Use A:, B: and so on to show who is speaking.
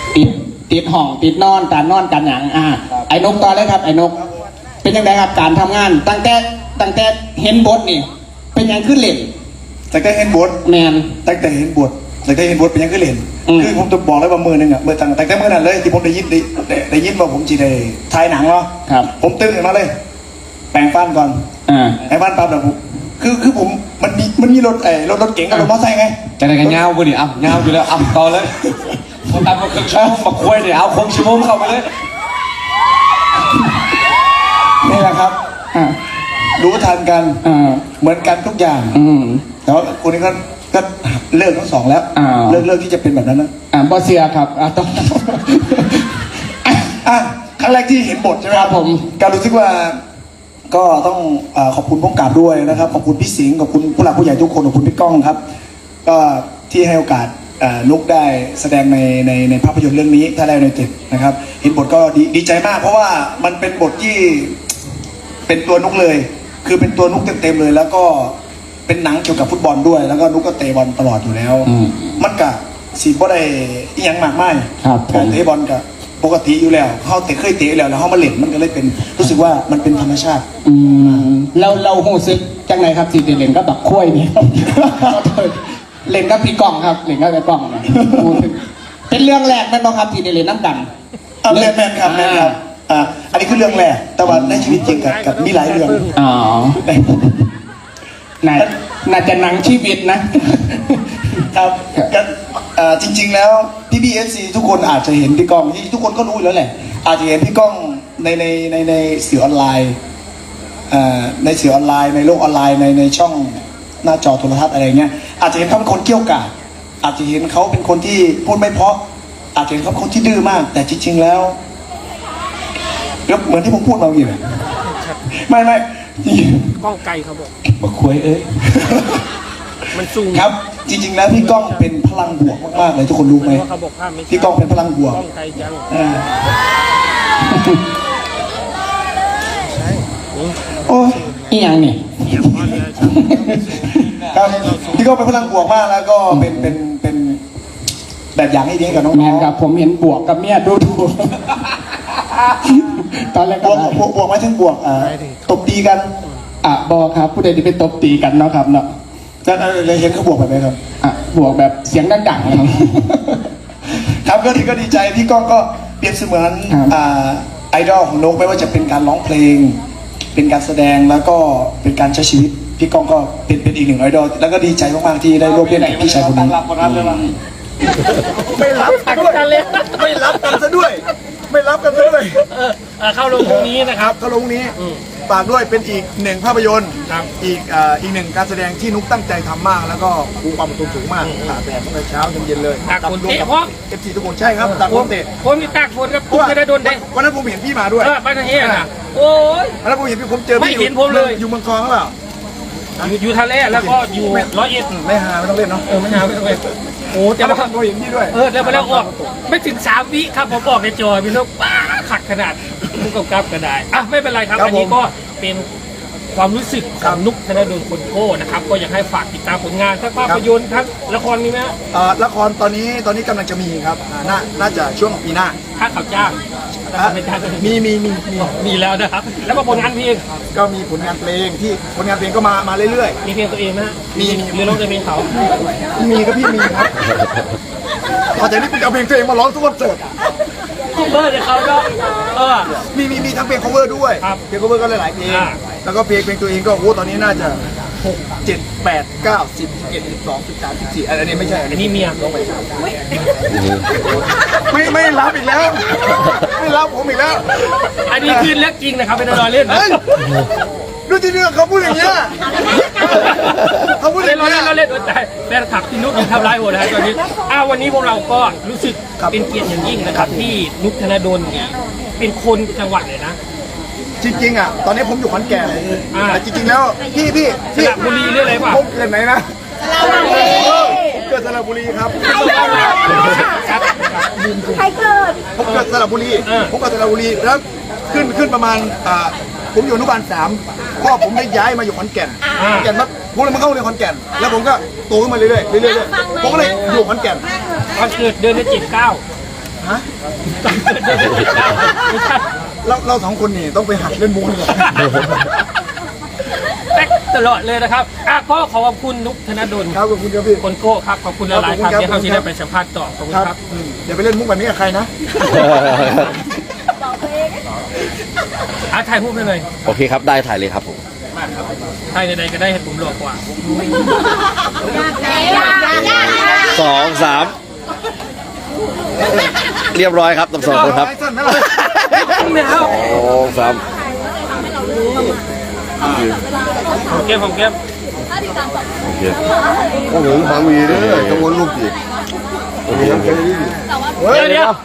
A: ติดติดห้องติดนอนการนอนการหยังไอ้นกต่อเลยครับไอ้นกเป็นยังไงครับการทำงานตั้งแต่เห็นบทนี่เป็นยังขึ้นเล่น
B: ตั้งแต่เห็นบท
A: แมน
B: ตั้งแต่เห็นบทเป็นยังขึ้นเล่นคือผมจะบอกเลยว่ามือหนึ่งอ่ะมือตั้งแต่เมื่อนั้นเลยที่ผมได้ยินว่าผมจีได้ถ่ายหนังเนาะผมตื่นขึ้นมาเลยแปรงฟันก่อนแปรงฟันปั๊บแล้วผมคือผมมันมีรถรถเก๋งกับรถมอเตอร์ไซค์ไง
C: จะได้กันเงาบุดิเงาอยู่แล้วต่อเลยผมตามมาครึ่งชั่วโมงมาคุยเนี่ยเอาคงชั่วโมงเข้าไปเลย
B: นี่แหละครับรู้ทันกันเหมือนกันทุกอย่างแต่ว่าคนนี้ก็เลิกทั้งสองแล้วเลิกที่จะเป็นแบบนั้นนะ
A: บอสเซียครับต้อง
B: ครั้งแรกที่เห็นบทใช่ไหมครับผมการรู้สึกว่าก็ต้องขอบคุณผู้กำกับด้วยนะครับขอบคุณพี่สิงห์ขอบคุณผู้หลักผู้ใหญ่ทุกคนขอบคุณพี่ก้องครับก็ที่ให้โอกาสนุกได้แสดงในภาพยนตร์เรื่องนี้ถ้าได้ในติดนะครับเห็นบทก็ดีใจมากเพราะว่ามันเป็นบทที่เป็นตัวนุกเลยคือเป็นตัวนุกเต็มเลยแล้วก็เป็นหนังเกี่ยวกับฟุตบอลด้วยแล้วก็นุกก็เตะบอลตลอดอยู่แล้วมันกะสีบ่ได้ยังมากมายการเตะบอลกับปกติอยู่แล้วเขาเคยเตะแล้วเขามาเล่นมันก็เลยเป็นรู้สึกว่ามันเป็นธรรมชาติ
A: เราหูซึกจังไหนครับสีเล่นก็บักคุ้ยนี่เล่นกับพี่กล้องครับเล่นกับพี่กล้องเป็นเรื่องแรกนั่นบ้างครับที่ได้เล่นน้ำกัน
B: แม่นครับอันนี้คือเรื่องแรกแต่ว่าในชีวิตจริงกับมีหลายเรื่อง
A: น่าจะหนังชีวิตนะครับ
B: จริงๆแล้วพี่บีเอฟซีทุกคนอาจจะเห็นพี่ก้องที่ทุกคนก็รู้แล้วแหละอาจจะเห็นพี่ก้องในสื่อออนไลน์ในสื่อออนไลน์ในโลกออนไลน์ในช่องหน้าจอโทรทัศน์อะไรเงี้ยอาจจะเห็นเขาเป็นคนเกี้ยวกาดอาจจะเห็นเขาเป็นคนที่พูดไม่เพราะอาจจะเห็นเขาเป็นคนที่ดื้อมากแต่จริงๆแล้วเหมือนที่ผมพูดมาเมื่อกี้เลยไม่
D: ก้องไกลเขา
B: บอกคุย
D: มันสูง
B: ครับจริงๆแล้วพี่ก้องเป็นพลังบวกมากๆเลยทุกคนรู้ไหมพี่ก้องเป็นพลังบวก
D: ก้องไกลจัง
A: โอ้ยอีหยังนี่
B: ครับพี่ก้องเป็นพลังบวกมากแล้วก็เป็นแบบอย่างให้ดีกับน้อง
A: แมนครับผมเห็นบวกกับเมียดูตอนแรก
B: บวกมาถึงบวกตบตีกัน
A: บอครับผู้ใดที่ไปตบตีกันเนาะครับเนาะ
B: จะเลยเห็นเขาบวกแบบไหนครับ
A: บวกแบบเสียงดังๆครับ
B: ครับก็ดีใจพี่ก้องก็เปรียบเสมือนไอดอลของนกไม่ว่าจะเป็นการร้องเพลงเป็นการแสดงแล้วก็เป็นการใช้ชีวิตพี่ก้องก็เป็นอีกหนึ่งไอดอลแล้วก็ดีใจมากๆที่ได้ร่วมเล่นกับพี่ชายคนนี้
D: ไม่รับกันเลย
B: ไม่รับกันซะด้วยไม่รับกันซะด้วย
D: เข้าลงตรงนี้นะครับ
B: เข้าลงนี้ฝากด้วยเป็นอีกหนึ่งภาพยนตร์อีกหนึ่งการแสดงที่นุ๊กตั้งใจทำมากแล้วก็คูความอดทนสูงมากตากแดดตั้งแต่เช้าจนเย็นเลย
D: ตากฝนเตะเพราะ
B: FC ทุกคนใช่ครับตากฝนเตะ
D: ผมมีตากฝนครับผมจะได้โดนเตะ
B: วันนั้นผมเห็นพี่มาด้วย
D: ไปทางนี้นะโอ้ย
B: วันนั้นผมเห็นพี่ผมเจอ
D: ไม่เห็นผมเลย
B: อยู่เมืองทองหรือเปล่า
D: อยู่ทะเลแล้วก็อยู่101
B: ไม่หาไม่ต้องเล่นเนาะ
D: ไม่หาไม่ต้องเล่นโอ้แต่ว่า
B: ผมเห็นพี่ด้วย
D: แล้วมาแล้วออกไม่ถึง3 วิครับผมบอกในจอพี่นกป้าขัดขนาดผู้กำกับก็ได้ไม่เป็นไรครับอันนี้ก็เป็นความรู้สึกของนุกธนดลคนโก้นะครับก็อยากให้ฝากติดตามผลงานทั้งภาพยนตร์ทั้งละครมีไหม
B: ละครตอนนี้กำลังจะมีครับน่าจะช่วงปีหน้า
D: ถ้าเขาจ้าง
B: มี
D: แล้วนะครับแล้วก็ผลงานเพลง
B: ก็มีผลงานเพลงที่ผลงานเพลงก็มาเรื่อย
D: ๆมีเพลงตัวเองนะ
B: มี
D: หรือร้องแต่เพลงเขา
B: มีครับพี่มีครับพอจากนี้เป็นเอาเพลงตัวเองมาร้องทุกวันเสิร์ต
D: เนี่ยเขาก็
B: มีทั้งเพลง cover ด้วยเพลง cover ก็หลายๆเพลงแล้วก็เพลงตัวเองก็โอ้ตอนนี้น่าจะ6 7 8 9 10 11 12 13 14อันนี้ไม่ใช่อันนี้
D: เมีย
B: ลงไปไม่รับอีกแล้วไม่รับผมอีกแล้ว
D: อันนี้คือเรื่องจริงนะครับเป็นรอยเล่น
B: ดูที่นี่เขาพูดอย่างเงี้ยเขาพูดอย่างเงี้ย
D: เราเล่นแต่แฟนคลับที่นุ๊กยังทำร้ายหัวนะตอนนี้วันนี้พวกเราก็รู้สึกเป็นเกียรติอย่างยิ่งนะครับที่นุ๊กธนดลเป็นคนจังหวัดเลยนะ
B: จริงๆตอนนี้ผมอยู่ขอนแก่นแต่จริงๆแล้วพี่
D: สระบุรีเรื่องอะไรป่ะ
B: ผมเกิดไหนนะเกิดสระบุรีครับ
E: ใครเกิด
B: ผมเกิดสระบุรีแล้วขึ้นประมาณผมอยู่อนุบาล3พ่อผมได้ย้ายมาอยู่ขอนแก่นปั๊บผมเลยมาเข้าเรียนขอนแก่นแล้วผมก็โตขึ้นมาเรื่อยๆผมก็เลยอยู่ขอนแก่น
D: ตอนเกิดเดือนที่
B: ฮะ
D: ไม่ใช่
B: เราสองคนนี่ต้องไปหัดเล่นมุกเลย
D: แป๊กตลอดเลยนะครับก็ขอบคุณนุกธนดล
B: ครับขอบคุณครับพี่
D: คนโก้ครับขอบคุณหลายๆครับ
B: ขอบคุณครับ
D: ที่เขาที่ได้ไปสัมภาษณ์ต่อขอบคุณ
B: ครับ
D: ครับ
B: อย่าไปเล่นมุกแบบนี้กับใครนะ
D: ถ่ายรูปให้เลย
E: โอเคครับได้ถ่ายเลยครับผม
D: ถ่ายใดๆก็ได้เห็นผมหล่อกว่า
E: 2 3 เรียบร้อยครับทั้งสองคนครับ
D: ไม่เอา
E: 2 3
D: ของเกมของเกม
E: โอเค
F: โอ้โหบางวีเด้อจังหวัดลูกดิ
D: เดี๋ยว